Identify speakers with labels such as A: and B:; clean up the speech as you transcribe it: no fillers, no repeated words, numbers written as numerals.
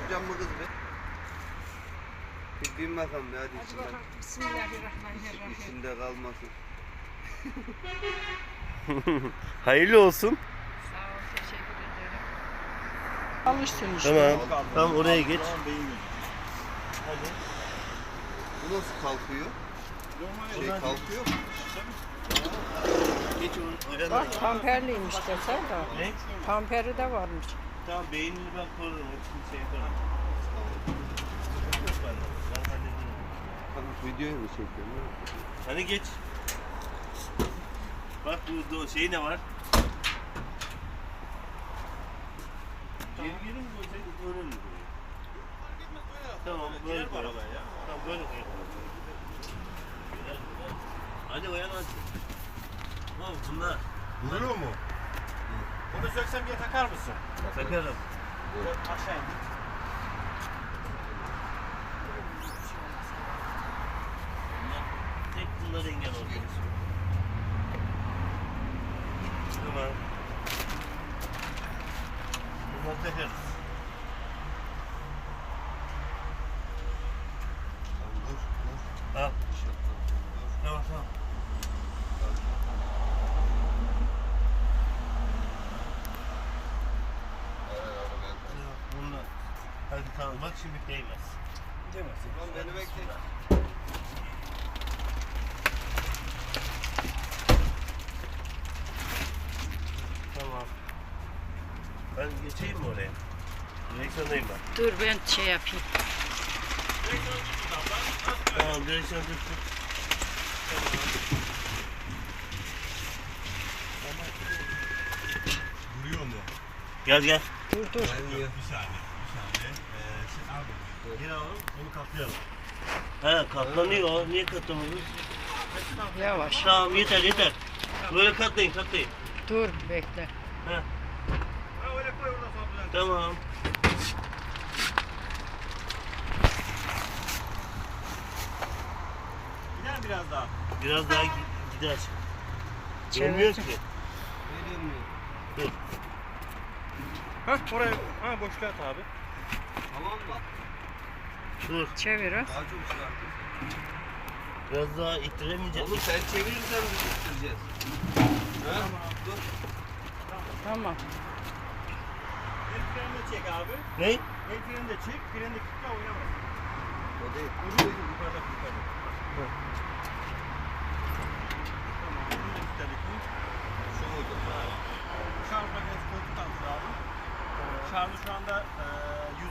A: Tutacağım mı kız be? Bir bin bakalım ya hadi.
B: Hadi bakalım. Bismillahirrahmanirrahim.
A: İçinde kalmasın.
C: Hayırlı olsun.
B: Sağ ol, teşekkür ederim. Alışsın işte.
C: Tamam. Tamam oraya geç.
A: Hadi. Bu nasıl kalkıyor? Şey kalkıyor mu?
C: Geç oraya.
B: Bak pamperliymiş desene de.
C: Ne?
B: Pamperi de varmış.
C: Tamam beynini ben korurum. Hepsini şey yaparım. Yok bende. Ben hallederim.
A: Tamam videoyu mu çekiyorsun?
C: Hadi geç. Bak burada şey ne var? Geri mi koysaydık öyle mi koyayım? Tamam böyle koyalım. Tamam böyle koyalım. Hadi uyan hadi. Tamam bunlar.
D: Duruyor mu? Bunu söksem diye takar mısın?
C: Takarım.
D: Aşağı in.
C: Tek bunlar engel oldu. Tamam. Bunları takarız. Al. Tamam tamam. Bunlar. Hadi tamam bak şimdi değmez.
D: Demezsin.
A: Tamam beni bekle.
C: Tamam. Ben geçeyim mi oraya? Direksiyondayım ben.
B: Dur ben şey yapayım.
C: Tamam direksiyon tuttum.
D: Duruyor mu?
C: Gel gel.
B: Dur dur.
A: Gelmiyor.
D: Bir saniye. Abi.
C: Gel alalım.
D: Onu katlayalım.
C: He katlanıyor. Niye katlamadın?
B: Yavaş.
C: Tamam yeter yeter. Böyle katlayın katlayın.
B: Dur bekle.
C: He.
D: Ha öyle koy oradan sonra düzelt.
C: Tamam.
D: Gider biraz daha.
C: Biraz daha gider.
B: Çevir.
C: Görmüyor ki.
A: Gelmiyor.
C: Dur.
D: Hah oraya. Ha boşluğa at abi.
A: Tamam mı?
C: Dur.
B: Çevir ha.
A: Daha çok şey yaptın.
C: Biraz daha ittiremeyeceğim.
A: Oğlum sen çevirirsen biz bitireceğiz. Ha? Dur.
B: Tamam.
D: El freni de çek abi.
C: Ne?
D: El freni de çek. Freni de kilitle oynamaz.
A: O değil.
D: Yukarıda yukarıda. Tamam. Bunu da kilitledik mi?
A: Şu muydu?
D: Şarj makinesi koltuk altı abi. Şarjı şu anda